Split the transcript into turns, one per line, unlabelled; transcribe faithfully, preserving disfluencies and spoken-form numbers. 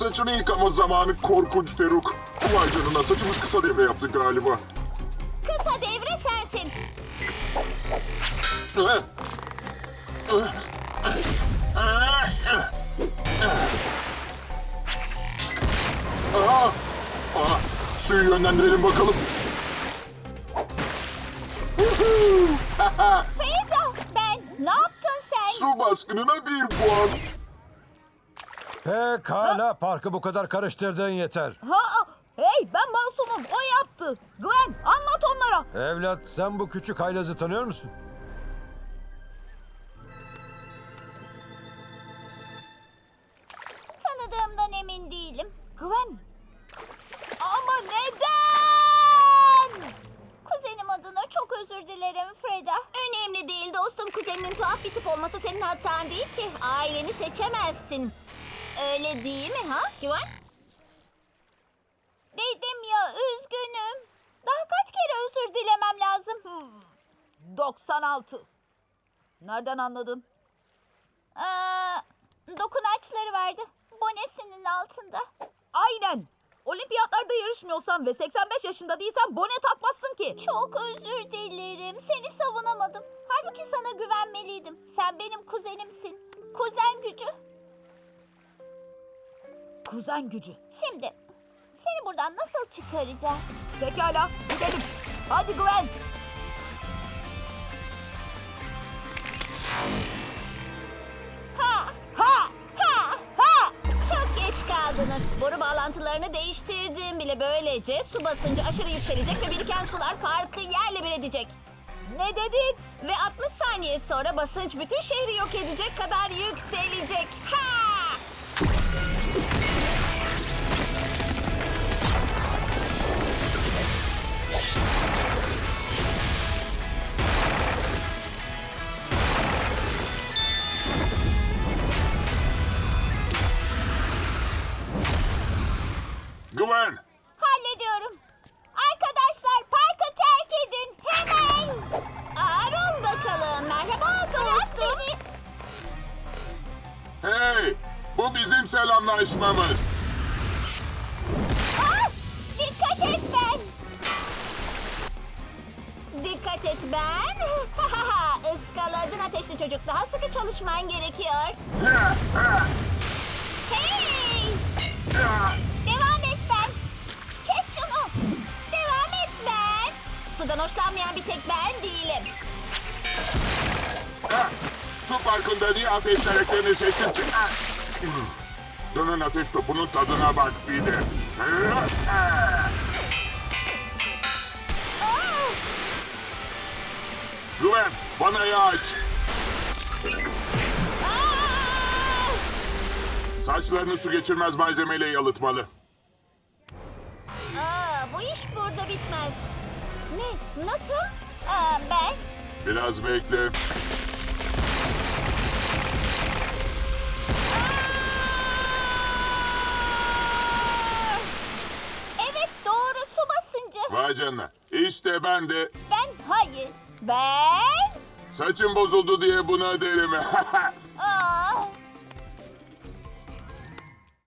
Saçını yıkama zamanı korkunç Teruk. Vay canına, saçımız kısa devre yaptı galiba.
Kısa devre sensin.
Eh. Aa, aa, suyu yönlendirelim bakalım.
Freda, ben. Ne yaptın sen?
Su baskınına bir puan.
Pekala, parkı bu kadar karıştırdığın yeter.
Ha, hey ben masumum, o yaptı. Gwen anlat onlara.
Evlat, sen bu küçük haylazı tanıyor musun?
Tanıdığımdan emin değilim.
Gwen. Ama neden?
Kuzenim adına çok özür dilerim Freda. Önemli değil dostum. Kuzeninin tuhaf bir tip olması senin hatan değil ki. Aileni seçemezsin. Öyle değil mi ha Güven? Dedim ya, üzgünüm. Daha kaç kere özür dilemem lazım?
Hmm, doksan altı. Nereden anladın?
Aa, dokunaçları vardı. Bonesinin altında.
Aynen. Olimpiyatlarda yarışmıyorsan ve seksen beş yaşında değilsen bone takmazsın ki.
Çok özür dilerim. Seni savunamadım. Halbuki sana güvenmeliydim. Sen benim kuzenimsin. Kuzen gücü.
Kuzen gücü.
Şimdi seni buradan nasıl çıkaracağız?
Pekala gidelim. Hadi Gwen.
Ha!
Ha!
Ha!
Ha!
Çok geç kaldınız. Boru bağlantılarını değiştirdim bile. Böylece su basıncı aşırı yükselecek ve biriken sular parkı yerle bir edecek.
Ne dedin?
Ve altmış saniye sonra basınç bütün şehri yok edecek kadar yükselecek. Ha!
Güven.
Hallediyorum. Arkadaşlar parkı terk edin. Hemen. Ağır ol bakalım. Merhaba Bırak beni.
Hey, bu bizim selamlaşmamız.
Ah! Dikkat et ben. Dikkat et ben. Iskaladın ateşli çocuk. Daha sıkı çalışman gerekiyor. Hey! Devam et ben. Kes şunu. Devam et ben. Sudan hoşlanmayan bir tek ben değilim.
Ha, su parkında niye ateş karakterini seçtin ki? Ha. Dönen ateş topunun tadına bak bir de.
Ah!
Güven, bana aç.
Ah!
Saçlarını su geçirmez malzemeyle yalıtmalı.
Aa, bu iş burada bitmez. Ne? Nasıl? Aa, ben?
Biraz bekle.
Evet doğru, su basıncı.
Vay canına. İşte ben de
Ben hayır. Ben?
saçım bozuldu diye buna derim.